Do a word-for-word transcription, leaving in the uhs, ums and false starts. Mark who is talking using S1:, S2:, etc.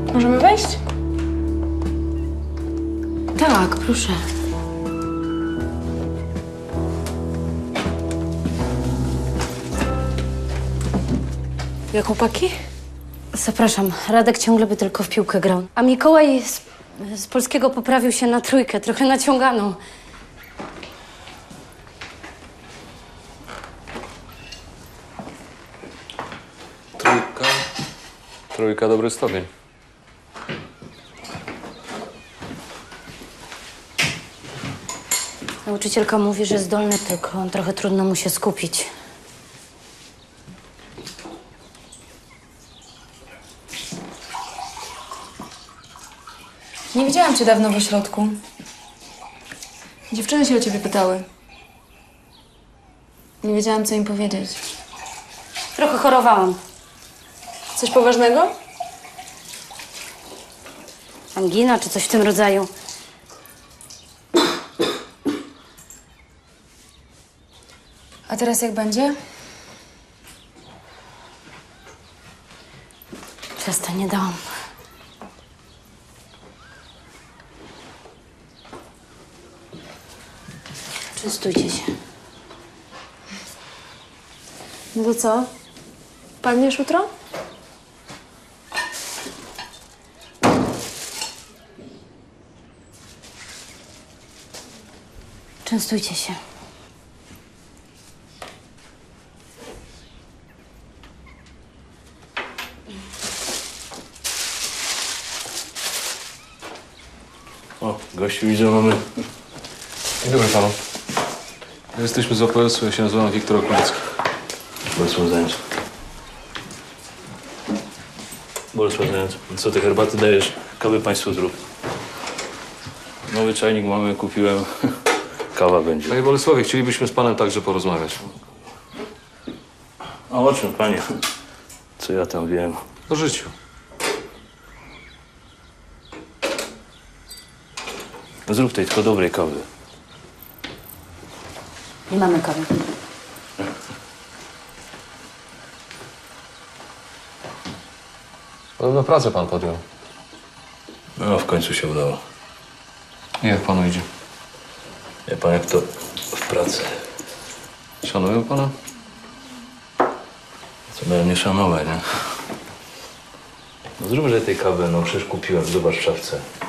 S1: Możemy wejść?
S2: Tak, proszę.
S1: Jak chłopaki?
S2: Zapraszam. Radek ciągle by tylko w piłkę grał. A Mikołaj z, z polskiego poprawił się na trójkę, trochę naciąganą.
S3: Trójka. Trójka, dobry stopień.
S2: Nauczycielka mówi, że zdolny, tylko trochę trudno mu się skupić.
S1: Nie widziałam cię dawno w ośrodku. Dziewczyny się o ciebie pytały. Nie wiedziałam, co im powiedzieć.
S2: Trochę chorowałam.
S1: Coś poważnego?
S2: Angina czy coś w tym rodzaju.
S1: A teraz jak będzie?
S2: Ciasta nie dałam. Częstujcie się.
S1: No to co? Padniesz jutro?
S2: Częstujcie się.
S4: O, gości widzę, mamy.
S3: Dzień dobry panu. Jesteśmy z O P S u, ja się nazywam Wiktor Okulicki.
S4: Bolesław Zając. Bolesław Zając. Co ty herbaty dajesz? Kawy państwu zrób. Nowy czajnik mamy, kupiłem. Kawa będzie.
S3: Panie Bolesławie, chcielibyśmy z panem także porozmawiać.
S4: A o czym, panie? Co ja tam wiem?
S3: O życiu.
S4: Zrób tej tylko dobrej kawy.
S2: Nie mamy kawy.
S3: Podobno pracę pan podjął.
S4: No, w końcu się udało.
S3: I jak panu idzie?
S4: Wie pan, jak to w pracy.
S3: Szanują pana?
S4: Co miałem nie szanować, nie? No zróbże tej kawy, no przecież kupiłem, zobacz w szafce.